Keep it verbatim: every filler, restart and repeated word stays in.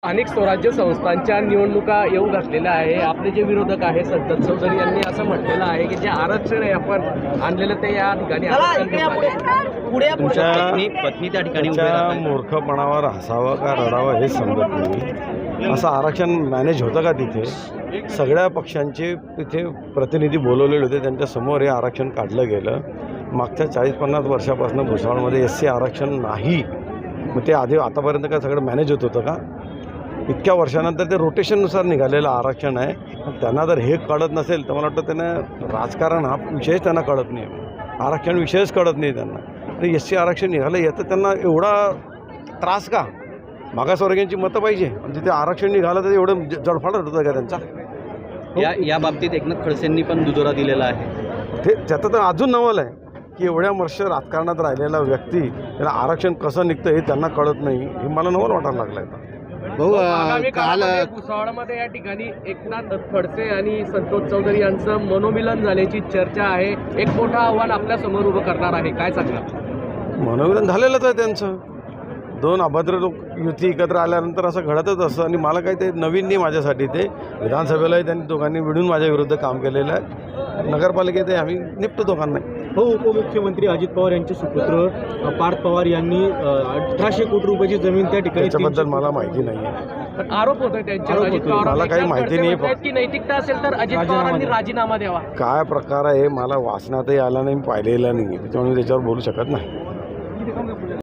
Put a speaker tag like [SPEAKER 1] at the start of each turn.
[SPEAKER 1] स्थानिक स्वराज्य संस्थांच्या निवडणुका येऊ घातलेल्या आहे. आपले जे विरोधक आहे संतत चौधरी यांनी असं म्हटलेलं आहे की जे आरक्षण आहे आपण आणलेलं ते या ठिकाणी
[SPEAKER 2] तुमच्या पत्नी त्या ठिकाणी मूर्खपणावर हसावं का रडावं हे समजत नाही. असं आरक्षण मॅनेज होतं का तिथे? सगळ्या पक्षांचे तिथे प्रतिनिधी बोलवलेले होते, त्यांच्यासमोर हे आरक्षण काढलं गेलं. मागच्या चाळीस पन्नास वर्षापासून भुसावळमध्ये एस सी आरक्षण नाही. मग ते आधी आतापर्यंत काय सगळं मॅनेज होत होतं का? इतक्या वर्षानंतर ते रोटेशननुसार निघालेलं आरक्षण आहे. त्यांना जर हे कळत नसेल तर मला वाटतं त्यांना राजकारण हा विषयच त्यांना कळत नाही, आरक्षण विषयच कळत नाही त्यांना. आणि एस सी आरक्षण निघालं याचं त्यांना एवढा त्रास का? मागासवर्गीयांची मतं पाहिजे आणि तिथे आरक्षण निघालं तर एवढं जडफाडत होतं का त्यांचा?
[SPEAKER 3] या या बाबतीत एकनाथ खडसेंनी पण दुजोरा दिलेला आहे.
[SPEAKER 2] ते त्याचं तर अजून नवल आहे की एवढ्या वर्ष राजकारणात राहिलेला व्यक्ती त्याला आरक्षण कसं निघतं हे त्यांना कळत नाही. हे मला नवल वाटायला लागलं आहे.
[SPEAKER 1] भाऊ काल भुसावळमध्ये या ठिकाणी एकनाथ खडसे आणि संतोष चौधरी यांचं मनोमिलन झाल्याची चर्चा आहे. एक मोठं आव्हान आपल्या समोर उभं करणार आहे, काय सांगणार?
[SPEAKER 2] मनोमिलन झालेलंच आहे त्यांचं. दोन अभद्र लोक युती एकत्र आल्यानंतर असं घडतच असतं. आणि मला काही ते नवीन नाही माझ्यासाठी. ते विधानसभेलाही त्यांनी दोघांनी मिळून माझ्या विरुद्ध काम केलेलं आहे. नगरपालिकेतही आम्ही निपटतो दोघांना.
[SPEAKER 4] हो, उपमुख्यमंत्री अजित पवार यांचे सुपुत्र पार्थ पवार यांनी अठराशे कोटी रुपयाची जमीन त्या ठिकाणी.
[SPEAKER 2] त्याच्याबद्दल मला माहिती नाही आहे.
[SPEAKER 1] आरोप होतोय त्यांच्यावर. अजित पवार
[SPEAKER 2] मला काही माहिती नाही.
[SPEAKER 1] की नैतिकता असेल तर अजित पवारांनी राजीनामा द्यावा.
[SPEAKER 2] काय प्रकार आहे मला वाचनातही आला नाही, पाहिलेला नाही, त्याच्यामुळे त्याच्यावर बोलू शकत नाही.